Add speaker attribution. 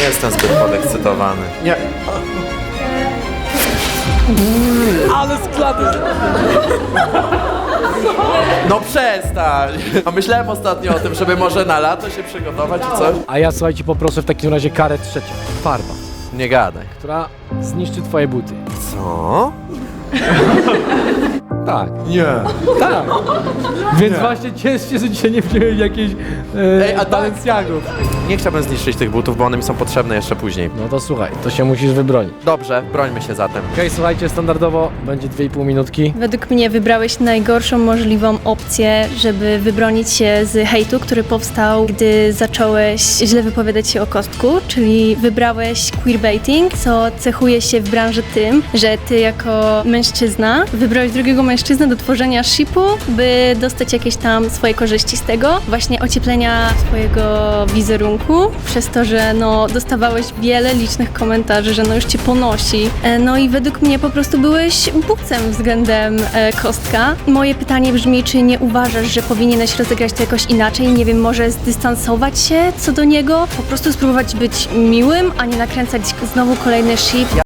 Speaker 1: jestem zbyt podekscytowany. Nie.
Speaker 2: Ale sklady!
Speaker 1: No przestań! A myślałem ostatnio o tym, żeby może na lato się przygotować czy coś.
Speaker 2: A ja, słuchajcie, poproszę w takim razie karę trzecią. Farba,
Speaker 1: Nie gadaj.
Speaker 2: która zniszczy twoje buty.
Speaker 1: Co?
Speaker 2: Tak,
Speaker 1: Nie.
Speaker 2: tak. Więc właśnie ciesz się, że dzisiaj nie wziąłem jakiejś
Speaker 1: Ej, a tak?
Speaker 2: Balenciagów.
Speaker 1: Nie chciałbym zniszczyć tych butów, bo one mi są potrzebne jeszcze później.
Speaker 2: No to słuchaj, to się musisz wybronić.
Speaker 1: Dobrze, brońmy się zatem.
Speaker 2: Okej, słuchajcie, standardowo będzie 2,5 minutki.
Speaker 3: Według mnie wybrałeś najgorszą możliwą opcję, żeby wybronić się z hejtu, który powstał, gdy zacząłeś źle wypowiadać się o Kostku, czyli wybrałeś queerbaiting, co cechuje się w branży tym, że ty jako mężczyzna wybrałeś drugiego mężczyznę do tworzenia shipu, by dostać jakieś tam swoje korzyści z tego, właśnie ocieplenia swojego wizerunku, przez to, że no dostawałeś wiele licznych komentarzy, że no już cię ponosi. No i według mnie po prostu byłeś bucem względem Kostka. Moje pytanie brzmi, czy nie uważasz, że powinieneś rozegrać to jakoś inaczej? Nie wiem, może zdystansować się co do niego? Po prostu spróbować być miłym, a nie nakręcać znowu kolejny ship?